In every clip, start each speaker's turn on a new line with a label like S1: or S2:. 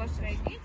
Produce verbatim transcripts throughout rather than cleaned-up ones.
S1: вас райвідділ.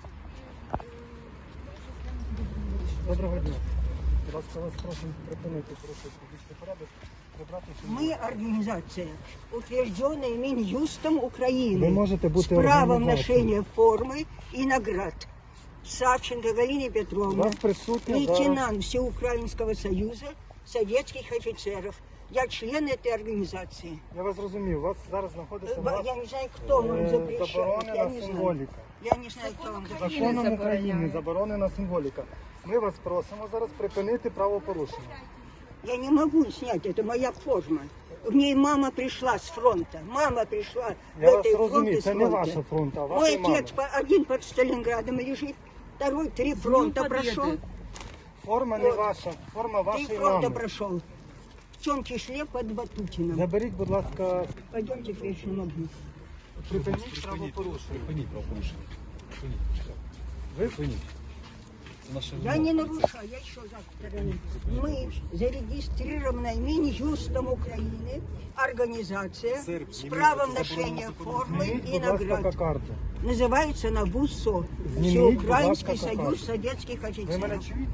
S2: Доброго дня. Будь ласка, вас просимо припинити порушувати публічний порядок. Прибрати всі-
S3: Мы организация, утвержденная Минюстом Украины,
S2: Вы можете быть
S3: с правом
S2: организацией.
S3: ношения формы и наград. Савченко Галина
S2: У
S3: Петровна,
S2: вас присутня зараз...
S3: лейтенант Всеукраинского союза советских офицеров. Я член этой организации.
S2: Я вас розумію, у вас зараз знаходиться на
S3: Э,
S2: вас
S3: Я не знаю, кто вам
S2: е,
S3: запрещает. Я
S2: заборонена
S3: не знаю.
S2: символіка.
S3: Я не знаю, кто вам запрещает.
S2: Законом України заборонена символіка. Ми вас просимо зараз припинити правопорушення.
S3: Я не могу снять, это моя форма. В ней мама пришла с фронта. Мама пришла
S2: Я
S3: в
S2: вас
S3: этой
S2: розумію,
S3: форме с
S2: це не
S3: фронта.
S2: ваша фронта, а
S3: Мой
S2: ваша мами.
S3: отец по- один под Сталинградом лежит, второй три фронта прошел.
S2: Форма не
S3: Вот.
S2: ваша, форма
S3: Три
S2: вашої
S3: фронта
S2: мами.
S3: прошел. В чем числе под Батутиным.
S2: Заберіть, будь ласка,
S3: Пойдемте к вечному огню.
S2: припиніть правопорушення.
S4: Припиніть правопорушення. Припиніть.
S2: Ви
S4: Припиніть. Це наша
S3: Я
S4: вимога.
S3: не нарушаю, я еще завтра. Мы зарегистрированная Минюстом Украины организация
S4: Сэр,
S3: с
S4: не
S3: правом
S4: имеется
S3: ношения
S4: заборонено
S3: формы
S2: зніміть,
S3: и
S2: будь ласка,
S3: наград.
S2: кокарду.
S3: Называется она ВУСО.
S2: Зніміть, будь
S3: Всеукраинский
S2: ласка,
S3: союз
S2: кокарду.
S3: советских
S2: Ви мене
S3: офицеров.
S2: чуєте?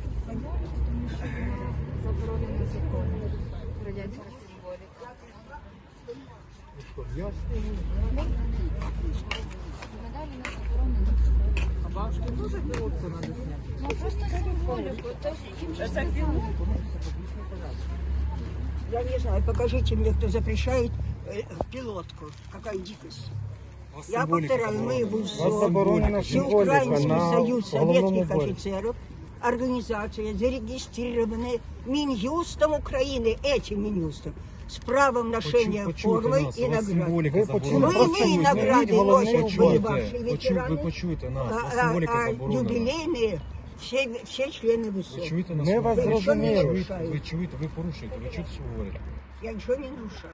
S1: Заборонено законом. Радянська символіка.
S2: Я
S1: Медалі не заборонено. А бабушки дуже пілотку надо зняти? Ну просто символіку. То їм же сказали.
S3: Я не знаю, покажите мне, кто запрещает э, пилотку. Какая дикость.
S4: У вас
S3: Я
S4: символіка
S3: повторяю, мы
S4: заборонена.
S3: ВУСО,
S2: Вас заборонена символіка
S3: Всеукраинский
S2: на
S3: союз
S2: головному
S3: советских
S2: уборі.
S3: офицеров, организация, зарегистрированная Минюстом Украины, этим Минюстом, с правом ношения
S4: Почуйте
S3: формы
S4: нас,
S3: и
S4: у вас
S3: наград.
S4: символіка
S2: Ви почули?
S4: заборонена.
S3: Мы
S2: Просто
S3: не
S2: зніміть
S3: награды
S2: головний
S3: носят
S2: убор.
S3: были ваши
S4: Почуйте,
S3: ветераны,
S4: ви почуєте нас, у вас
S3: а,
S4: символіка
S3: а
S4: заборонена.
S3: юбилейные все, все члены ВУСО.
S4: Ви чуєте нас?
S2: Ми вас
S3: Ви нічого не
S2: зрозуміли.
S3: нарушаєте.
S4: Ви чуєте, ви порушуєте, ви чуєте, що говорите?
S3: Я ничего не нарушаю.